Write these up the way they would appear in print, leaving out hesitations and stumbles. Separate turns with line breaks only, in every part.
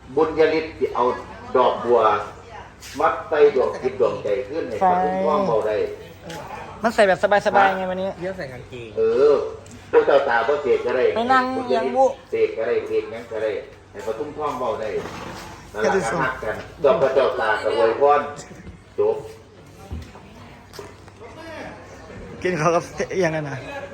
บุญยฤทธิ์เอาดอกบัวมัดใส่ดวงจิตดวงใจขึ้นให้พระคุ้มครองเบาได้
มันใส่แบบสบายๆไงวันนี้
เยอะใส่กางเกง
พวกเจ้าตาพวกเสกก็ได้
ไปนั่งยังบุ
เสกก็ได้เสกงั้นก็ได้ให้พระคุ้มครองเบาได้นั่นแหละก็ฮักกันดอกพระเจ้าตากับอวยพรจบ
กินเขากับอย่างนั้นนะ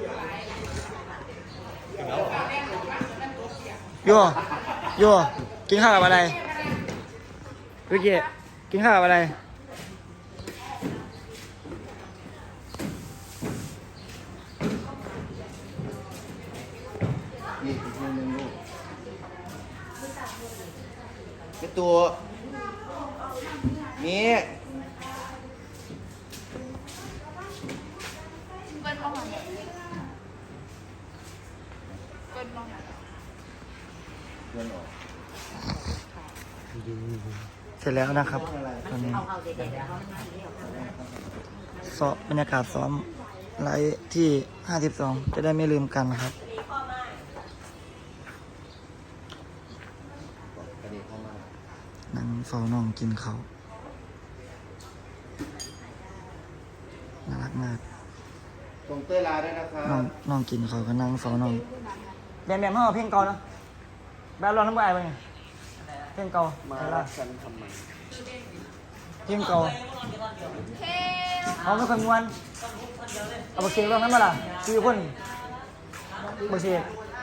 โย่กินข้าวกับอะไรวิกกี้กินข้าวกับอะไร
เป็นตัวนี้
เสร็จแล้วนะครับตอนนี้ซ้อมบรรยากาศซ้อมไลฟ์ที่52จะได้ไม่ลืมกันนะครับนั่งเฝ้าน้องกินเขาน่ารักมาก
ส่งเต้ยลาด้วยนะครับ
น้องกินเขาก็นั่งเฝ้าน้องแบบห้องเพลงเก่านะแบบร้องน้ำลายไปไงเพลงเก่า
มารักกันทำไม
เพลงเก่าเอาไม่คนมวนเอาบักเสียงร้องนั้นมาล่ะคือคนบักเสียง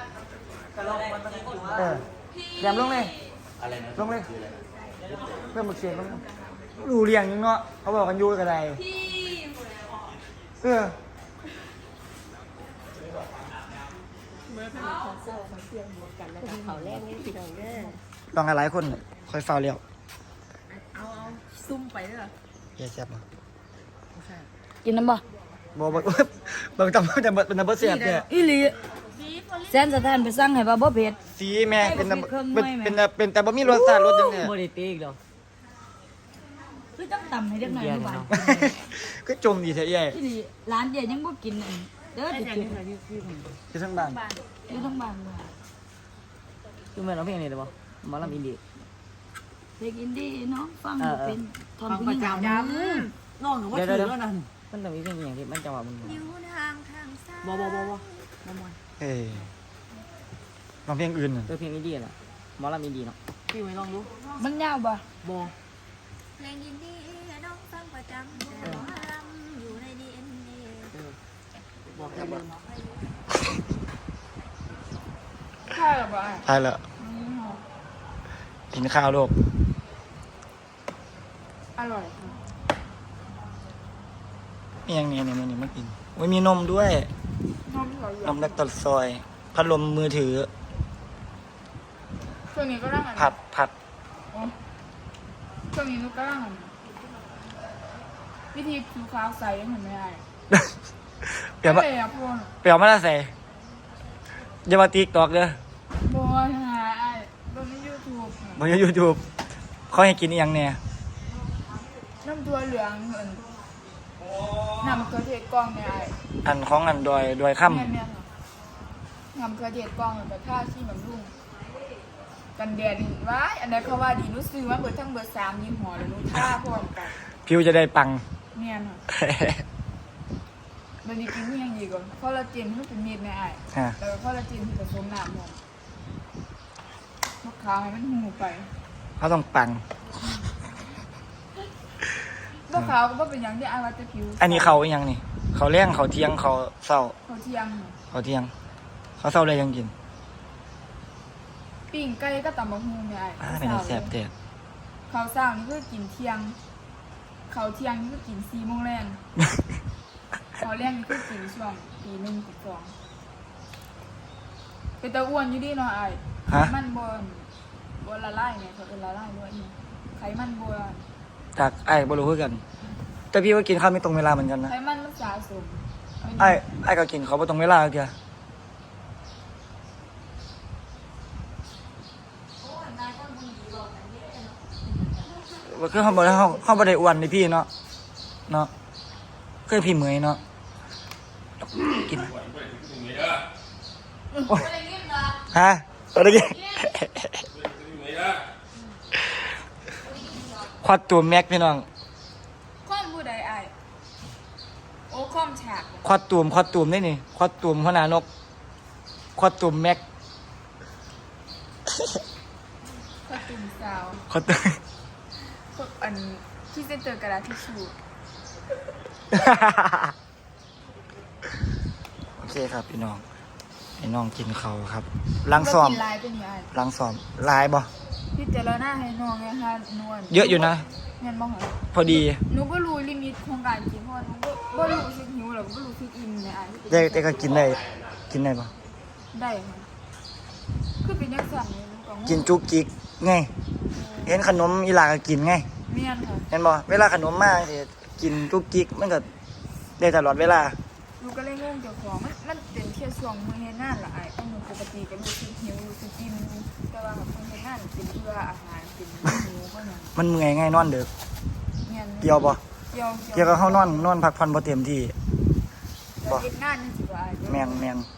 แยมลงเลยลงเลยเพื่อนบักเสียงลงดูเรียงยังเนาะเขาบอกกันยูกันอะไรลองหลายคนคอยฟาวเลี้ยว
เอาซุ่มไปเลยเหรอ
เยอะแซ่บมั้ง
กินน้ำบ่
บางตำจะเป็นน้ำเบอร์เสียบเนี่ย
อีหลีแซนสถานไปสั่งให้บ่เผ็ด
สีแม่เป็นแต่บ่มีรสชาติรสจังเนี่ย
บ่ได้ตีอีกหรอ
คือต้องตำให้เด็กหน่อยหวาน
ก็จมดีแท้ใหญ่
อีหลีร้านเดียวยังบ่กินเด้อติด
ที่ทั้งบ้าน
อยู่ทั้งบ้าน
คือแม่ร้องเพลงนี้ได้บ่หมอลำอินดี้
เพลงอินดี้น้องฟังเป็นทอน
ประจำน้องว่าถือแล้วนั่นมันต้องมีเพลงอย่างที่มันจังหวะมัน
อยู่ทางซ้าย
บ่
ลองเพลงอื่น
เพลงอินดี้น่ะหมอลำอินดี้เนาะพี่ไว้ลองดู
มันยาวบ่
เพลงอินดี้น้องฟังประจำหมอลำอยู่ใน DNA
บอกแค่เดิม
ใช่หรอบ่
ใช่แล้วกินข้าวลูก
อร่อย
มีอย่างนี้มันกินมีนมด้วยนมเล็กตัดซอยพัดลมมือถือ
ช่วงนี้ก็ร่าง
ผัด
ช่วงนี้นุก็ร่างวิธีผิวขาวใสยังเหมือนไม่ได้
เปลี่ยวมาแล้วใส่อย่ามาติ๊กตอกเด้อ
บัวหาบนยู
ทูบเขาให้กินอีกอย่างเนี่ย
น้ำตัวเหลืองน้ำกระเทียมกล้องเนี่ย
อันของอันดอยค่ำ
น้ำกระเทียมกล้องแบบท่าที่แบบรุ่งกันแดดว้ายอันนั้นเขาว่าดีรู้สึกว่าเบอร์ทั้งเบอร์3ยี่ห้อเลยรู้ท่าพร้อมกัน
ผิวจะได้ปัง
เนี่ยนะมันจะกินยังดีกว่าคอลลาเจนที่เป็นเม็ดในแล้วคอลลาเจนที่ผสมน้ำมะขาวให้มันหูไป
เขาต้องปัง
มะขาวก็เป็นอย่างที่ว่าจะผิว
อันนี้เขาอย่างนี่เขาเลี้ยงเขาเที่ยงเขาเศร้า
เขาเที่ยง
เขาเศร้าเลยยังกิน
ปิ้งไก่ก็ตำบักหุ่งเนี่ย
เป็นแซ่บเด็ด
เขาเศร้านี่ก็กินเที่ยงเขาเที่ยงนี่ก็กิน4 โมงแรงเขาแรงนี่ก็กินช่วงตี1 ตี 2เป็นตะอ้วนอยู่ดีเนาะมันบนละลายเนี่ยเขาเป็นละลายด้วยไขมันบน
จากบรู้กันแต่พี่ก็กินข้าวไม่ตรงเวลาเหมือนกันนะ
ไขมันมันสะสม
ก็กินเขาไม่ตรงเวลาเกียว่าคือเขาบ่ได้อ้วนในพี่เนาะเคยพี่เหมยเนาะกินฮะอะไรกินอดตูมแม็กพี่น้อง
ข้อมผู้ใดไอายโอ้ข้อมฉาก
คอดตูมได้นี่คอดตูมหัวหน้านกคอดตูมแม็ก
ข้อตุ่มสาว
คอดตูม
พวกอันที่เซนเตอร์กระดาษทิชชู่
โอเคครับพี่น้องให้น้องกินเขาวครับล้างซ้อม
กินลายเป็นยังไง
ล้างซ้อมลายบ่
พี่เจรหน้าให้น้องไงคะนวล
เยอะอยู่นะ
เงินบ้างเหรอ
พอดี
หนูก็รู้ลิมิตของการกินเพราะว่าหนูก็รู้สึกหิวแล้วก็รู้สึกอิ่มเนี่ยอ่ะ
แต่ก็กินได้บ่
ได้ค่ะคือเป็นยังสั่งเลยหนูก็งง
กินจุกจิกไงเห็นขนมอีหลาก็กินไง
เมียนค่ะ
เห็นบ่เวลาขนมมาสิกินจุกจิกมันก็ได้ตลอดเวลา
หนูก็เลยงงเจ้าของมันเป็นแค่ช่วงมือเฮ็ดงานละไอ้เพราะหนูปกติก็รู้สึกหิวรู้สึกอิ่มแต่ว่าแบบมือเฮ็ดงานเป็นเพื่ออาหารเป็นหิวก็อย่าง
มันเมื่อยไงนอนดึก
เมียน
เกี่ยวบ่
เกี่ยว
เกี่ยวกับเฮานอนพักผ่อนบ่เต็มที่
แล้วเฮ็ดงานนี่สิว่าไอ้
แม่น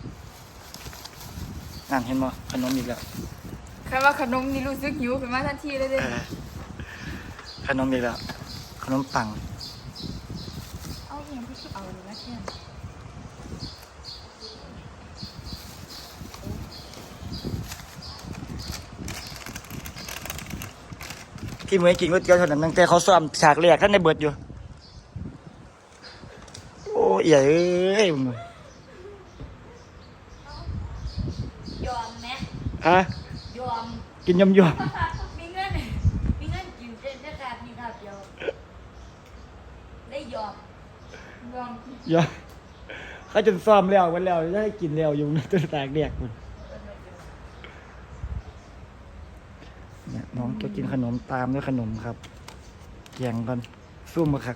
นั่นเห็นบ่ขนมอีกแล้ว
แค่ว่าขนมนี่รู้สึกหิวขึ้นมาทันทีเลยเด้
ขนมอีกแล้วขนมปัง
เอาเองพี่เอาเลยนะแค่
พี่มื้อกินก๋วยเตี๋ยวเท่านั้นตั้งแต่เขาซ้อมฉากแรกท่านได้เบิดอยู่โอ้เอี่ยเอ้ยมึง
ยอมไหม
ฮะ
ยอม
กินยำ
มีเงินกินเส้นได้การมีครับเดียวได้ยอม
ลอง
อย่าเขาจนซ้อมแล้ววันแล้วจะให้กินแล้วอยู่ในตัวตากแดกมันเนี่ยน้องจะกินขนมตามด้วยขนมครับแกงก่อนซุ่มมาคัก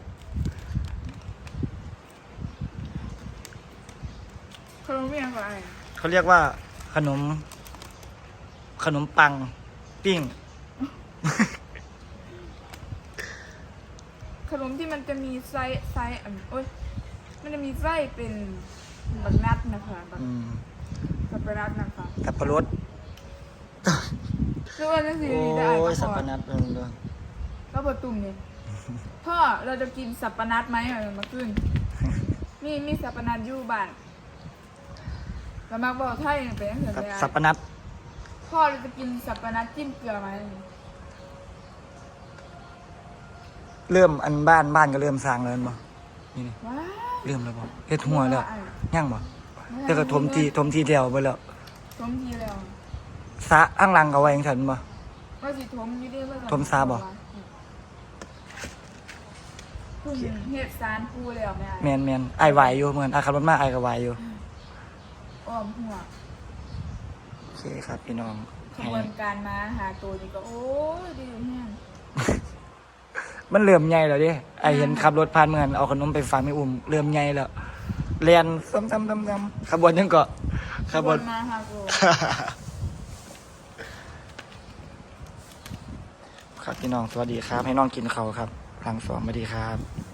ขนมเมียนก็ไอ้
เขาเรียกว่าขนมปังปิ้ง
ขนมที่มันจะมีไส้โอ๊ยมันจะมีไส้เป็นบักนัดนะคะบัก สับปะรดนะคะ
สับปะรด
คือว่าจะสี
โอ้
ได้
ย
ก็
สับ
พอ
ปะนัดเลย
ก็ประตุ่มเนี่ยพ่อเราจะกินสับปะนัดไหมเอามาขึ้นมีสับปะนัดอยู่บ้านแล้วมักบอกไทยเป็นยังไง
สับปะนัด
พ่อเราจะกินสับปะนัดจิ้มเกลือไหม
เริ่มอันบ้านก็เริ่มสร้างแล้วบ่นี่นี่
ว้าว
เริ่มแล้วบ่เฮ็ดหัวแล้วย่างบ่แล้วก็ถมทีเดียวไปแล้ว
ทมทีแล้ว
สระข้างหลังก็ไว้จังซั่นบ่
ว่าสิทมอยู่ดีว่า
ทมซาบ่
คุณเฮ็ดสารปูแล้วแม่
แม่นไอ้ายไหวอยู่เหมือนขับรถมาไอ้ายก็ไหวอยู่
อ้อมหัว
โอเคครับพี่น้อง
ขบวนการมาหาตัวนี่ก็โอ้ยดีแห้ง
มันเริ่มใหญ่แล้วเดิไอ้เห็นขับรถผ่านเหมือนเอาขนมไปฝากแม่อุ้มเริ่มใหญ่แล้วเรียนซ้ำๆขบวนยังก็ขบวน
มาหาตัว
ครับพี่น้องสวัสดีครับ ให้น้องกินเขาวครับทางสองสวัสดีครับ